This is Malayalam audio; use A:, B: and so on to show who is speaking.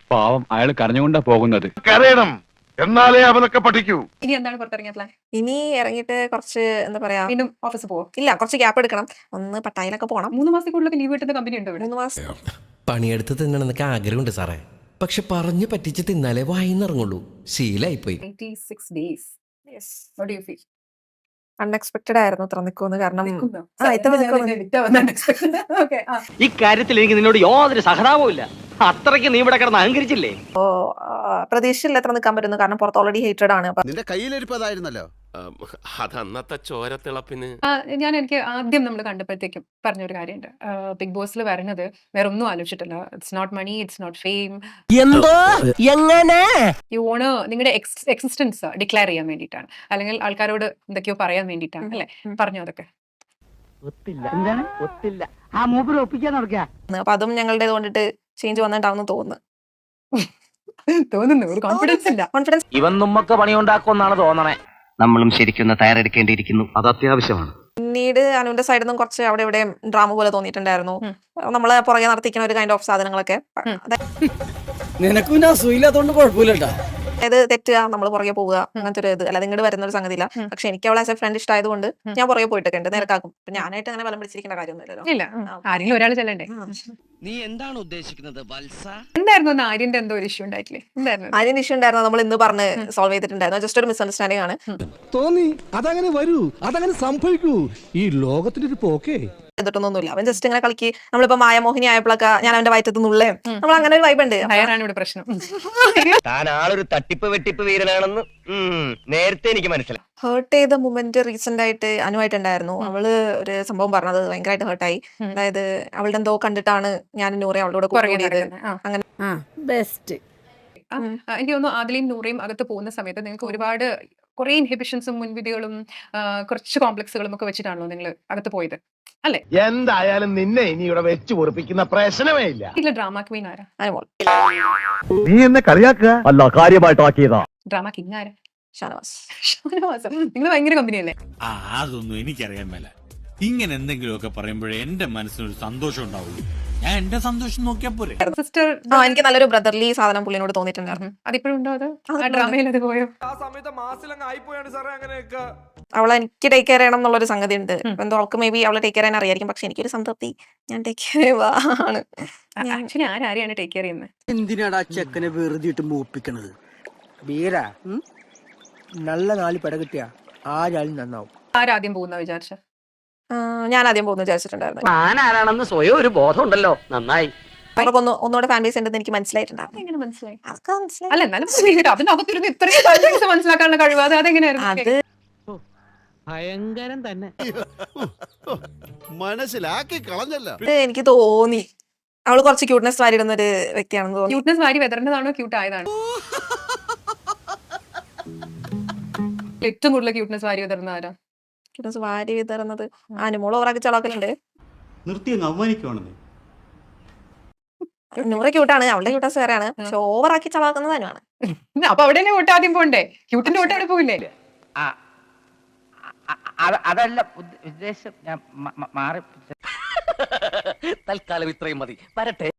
A: പാവം അയാൾ കരഞ്ഞുകൊണ്ടാ പോകുന്നത്.
B: കരയണം, എന്നാലേ അവനൊക്കെ പഠിക്കൂ.
C: ഇനി എന്താണ് പുറത്തിറങ്ങിയ പ്ലാൻ?
D: ഇനി ഇറങ്ങിയിട്ട് കുറച്ച് എന്താ പറയാ,
C: വീണ്ടും ഓഫീസ് പോവോ?
D: ഇല്ല കുറച്ച് ഗ്യാപ്പ് എടുക്കണം. ഒന്ന് പട്ടായിലൊക്കെ പോകണം.
C: 3 മാസത്തിൽ കൂടുതലൊക്കെ ലീവ് കിട്ടുന്ന കമ്പനി ഉണ്ടോ ഇവിടെ?
D: 3 മാസം
E: പണിയെടുത്ത് തിന്നണമെന്നൊക്കെ ആഗ്രഹമുണ്ട് സാറേ, പക്ഷെ പറഞ്ഞു പറ്റിച്ച് തിന്നാലേ വായിന്നിറങ്ങുള്ളൂ. ശീലായിപ്പോയി.
C: 86 days. What do you feel?
D: Unexpected ആയിരുന്നു ഇത്ര നിൽക്കുമെന്ന്. കാരണം
C: നിൽക്കുന്നോ?
D: ഇത്ര നിൽക്കുന്നു.
C: Okay, ആ.
F: ഇക്കാര്യത്തിൽ എനിക്ക് നിന്നോട് യാതൊരു സഹതാപവും ഇല്ല. അത്രയ്ക്ക് നീ ഇവിടെ കിടന്ന് അഹങ്കരിച്ചില്ലേ?
D: പ്രതീക്ഷയില്ല എത്ര നിൽക്കാൻ പറ്റുന്നു. കാരണം പുറത്ത് ഓൾറെഡി ഹേറ്റഡ് ആണ്.
G: നിന്റെ കയ്യിലിരിപ്പതായിരുന്നല്ലോ.
H: അതന്നത്തെ ചോരത്തിളപ്പിന്
C: എനിക്ക് ആദ്യം നമ്മൾ കണ്ടപ്പോഴത്തേക്കും പറഞ്ഞൊരു കാര്യമുണ്ട്. ബിഗ് ബോസിൽ വരുന്നത് വേറെ ഒന്നും ആലോചിച്ചിട്ടില്ല. It's not money, it's not fame.
E: എന്തോ എങ്ങനെ
C: യു വോണ്ട് നിങ്ങളുടെ എക്സിസ്റ്റൻസ് ഡിക്ലെയർ ചെയ്യാൻ വേണ്ടിയിട്ടാണ്, അല്ലെങ്കിൽ ആൾക്കാരോട് എന്തൊക്കെയോ പറയാൻ വേണ്ടിയിട്ടാണ് അല്ലെ പറഞ്ഞു. അതൊക്കെ
D: അപ്പൊ അതും ഞങ്ങളുടെ കൊണ്ടിട്ട് ചേഞ്ച് വന്നിട്ടാവുന്നു തോന്നുന്നു.
C: തോന്നുന്നു ഒരു കോൺഫിഡൻസ് ഇല്ല.
D: കോൺഫിഡൻസ്
F: ഇവൻ നമ്മക്ക് പണിയുണ്ടാക്കുമെന്നാണ് തോന്നണേ. നമ്മളും ശരിക്കും തയ്യാറെടുക്കേണ്ടിയിരിക്കുന്നു. അത് അത്യാവശ്യമാണ്.
D: പിന്നീട് അനുവിന്റെ സൈഡിൽ നിന്നും കുറച്ച് അവിടെ ഇവിടെ ഡ്രാമ പോലെ തോന്നിയിട്ടുണ്ടായിരുന്നു. നമ്മളെ പുറകെ നടത്തിക്കുന്ന ഒരു കൈൻഡ് ഓഫ് സാധനങ്ങളൊക്കെ.
E: നിനക്കും അസുഖമില്ലാത്തോണ്ട് കുഴപ്പമില്ലട്ടാ.
D: അതായത് തെറ്റുക, നമ്മൾ പുറകെ പോവുക, അങ്ങനത്തെ ഒരു ഇത്. അല്ലാതെ ഇങ്ങോട്ട് വരുന്ന ഒരു സംഗതിയില്ല. പക്ഷെ എനിക്ക് അവളെ ആസ് എ ഫ്രണ്ട് ഇഷ്ടമായതുകൊണ്ട് ഞാൻ പുറകെ പോയിട്ടൊക്കെ ഉണ്ട്. നിരക്കാക്കും. ഞാനായിട്ട് അങ്ങനെ ബലം പിടിച്ചിരിക്കേണ്ട കാര്യമൊന്നുമില്ലല്ലോ.
C: ഇല്ല, ആരെങ്കിലും ഒരാൾ ചെല്ലണ്ടേ.
E: നീ എന്താണ് ഉദ്ദേശിക്കുന്നത് വത്സ?
C: എന്തായിരുന്നു ഒന്ന് ആര്യന്റെ എന്തോ ഒരു ഇഷ്യൂ ഉണ്ടായിട്ടില്ലേ? എന്തായിരുന്നു
D: അതിന് ഇഷ്യൂ ഉണ്ടായിരുന്നു. നമ്മൾ ഇന്ന് പറഞ്ഞ് സോൾവ് ചെയ്തിട്ടുണ്ടായിരുന്നു. ജസ്റ്റ് ഒരു മിസ്അണ്ടർസ്റ്റാൻഡിംഗ് ആണ്.
I: തോന്നി അതങ്ങനെ വരൂ, അതങ്ങനെ സംഭവിക്കൂ. ഈ ലോകത്തിന്റെ ഒരു പോക്കേ.
D: ചെയ്തിട്ടൊന്നുമില്ല. അവൻ ജസ്റ്റ് ഇങ്ങനെ കളിക്ക്. നമ്മളിപ്പോ മായമോഹിനി ആയപ്പോഴൊക്കെ ഞാൻ അവന്റെ വയറ്റത്ത് നിന്നുള്ളേ നമ്മൾ അങ്ങനെ ഒരു വൈബ് ഉണ്ട്.
C: ഹയറാണ് ഇവിടെ പ്രശ്നം.
F: താൻ ആളൊരു തട്ടിപ്പ് വെട്ടിപ്പ് വീരനാണെന്ന് നേരത്തെ എനിക്ക് മനസ്സിലായി.
D: ഹേർട്ട് ചെയ്ത മൊമെന്റ് റീസെന്റ് ആയിട്ട് അനുവായിട്ടുണ്ടായിരുന്നു. അവള് ഒരു സംഭവം പറഞ്ഞത് ഭയങ്കരമായിട്ട് ഹേർട്ടായി. അതായത് അവളുടെ എന്തോ കണ്ടിട്ടാണ് ഞാൻ നൂറെ അവളോട് കൂടിയത്. അങ്ങനെ
J: ബെസ്റ്റ്.
C: എനിക്ക് തോന്നുന്നു ആദിലയും നൂറയും അകത്ത് പോകുന്ന സമയത്ത് നിങ്ങൾക്ക് ഒരുപാട് കുറെ ഇൻഹിബിഷൻസും മുൻവിധികളും കുറച്ച് കോംപ്ലക്സുകളും ഒക്കെ വെച്ചിട്ടാണല്ലോ നിങ്ങൾ അകത്ത് പോയത് അല്ലെ?
B: എന്തായാലും നിന്നെ ഇനി ഇവിടെ വെച്ച് പൊറിപ്പിക്കുന്ന പ്രശ്നമേ ഇല്ല.
C: ഇതിലെ ഡ്രാമ ക്വീൻ ആരാ?
D: അനുമോൾ.
B: നീ എന്നെ കളിയാക്കുക അല്ല, കാര്യമായിട്ടാക്കിയതാ.
C: ഡ്രാമ കിങ് ആരാ?
D: ഷാനവാസ്.
C: ഷാനവാസ്. നിങ്ങൾ ഭയങ്കര കമ്പനിയല്ലേ?
K: അതൊന്നും എനിക്കറിയാൻ മേല. ഇങ്ങനെ എന്തെങ്കിലുമൊക്കെ പറയുമ്പോഴേ എന്റെ മനസ്സിനൊരു സന്തോഷം ഉണ്ടാവുള്ളൂ. ഞാൻ എന്റെ സന്തോഷം നോക്കിയാ പോരെ.
C: സിസ്റ്റർ
D: എനിക്ക് നല്ലൊരു ബ്രദർലി സാധനം പുള്ളിനോട് തോന്നിയിട്ടുണ്ടായിരുന്നു.
C: അതിപ്പോഴും ഉണ്ടോ? അത് ഡ്രാമയിൽ അത് പോയോ?
D: അവളെ എനിക്ക് ടേക്ക് കെയർ ചെയ്യണം എന്നുള്ളൊരു സംഗതി ഉണ്ട്. എന്തോ അവൾക്ക് മേ ബി അവളെ ടേക്ക് കെയർ ചെയ്യാൻ അറിയായിരിക്കും. പക്ഷെ എനിക്കൊരു സംതൃപ്തി, ഞാൻ ടേക്ക് കെയർ ആണ്.
C: ആക്ച്വലി ആരെയാണ് ടേക്ക് കെയർ ചെയ്യുന്നത്?
E: എന്തിനാടാ ചെക്കനെ വെറുതെ ഇട്ട് മൂപ്പിക്കണത്? ബീര നല്ല 4 പെട കിട്ടിയ ആരാളും നന്നാവും.
C: ആരാദ്യം പോകുന്ന വിചാരിച്ച?
D: ഞാൻ ആദ്യം പോകുന്നു വിചാരിച്ചിട്ടുണ്ടായിരുന്നു.
F: ആരാണെന്ന് സ്വയം ഒരു ബോധം ഉണ്ടല്ലോ. നന്നായി.
D: അവർക്ക് ഒന്നുകൂടെ ഫാൻ ബേസ് ഉണ്ടെന്ന് എനിക്ക് മനസ്സിലായിട്ടുണ്ടായിരുന്നു.
C: എങ്ങനെ മനസ്സിലായി?
D: അതൊക്കെ മനസ്സിലായി.
C: അല്ല എന്നാലും അതിനകത്തിരുന്ന് ഇത്രയും കാര്യങ്ങൾ മനസ്സിലാക്കാനുള്ള കഴിവ് അതെങ്ങനെയായിരുന്നു?
D: അത്
E: ഭയങ്കരം തന്നെ.
G: മനസ്സിലാക്കി കളഞ്ഞല്ലോ.
D: എനിക്ക് തോന്നി അവള് കുറച്ച് ക്യൂട്ട്നെസ് വാരിടുന്ന ഒരു വ്യക്തിയാണെന്ന് തോന്നി.
C: ക്യൂട്ട്നെസ് വാരി വെതറേണ്ടതാണോ ക്യൂട്ട് ആയതാണോ? ഏറ്റവും കൂടുതൽ ക്യൂട്ട്നെസ് വാരി വെതറുന്ന ആരാ?
D: ക്യൂട്ട്നെസ് വാരി വിതറുന്നത് അനുമോൾ ഓവറാക്കി ചളാക്കലുണ്ട്.
K: നിർത്തി അവമാനിക്കുവാണെന്നേ.
D: നൂറ് ക്യൂട്ടാണ്, അവളുടെ ക്യൂട്ടസ് വേറെയാണ്. പക്ഷെ ഓവറാക്കി ചളാക്കുന്നത് അനുവാണ്.
C: അപ്പൊ അവിടെ തന്നെ വോട്ട് ആദ്യം പോണ്ടേ? ക്യൂട്ടിന്റെ വോട്ട് അവിടെ പോകില്ലേ?
F: അതല്ല ഉദ്ദേശം. ഞാൻ മാറി. തൽക്കാലം ഇത്രയും മതി. വരട്ടെ.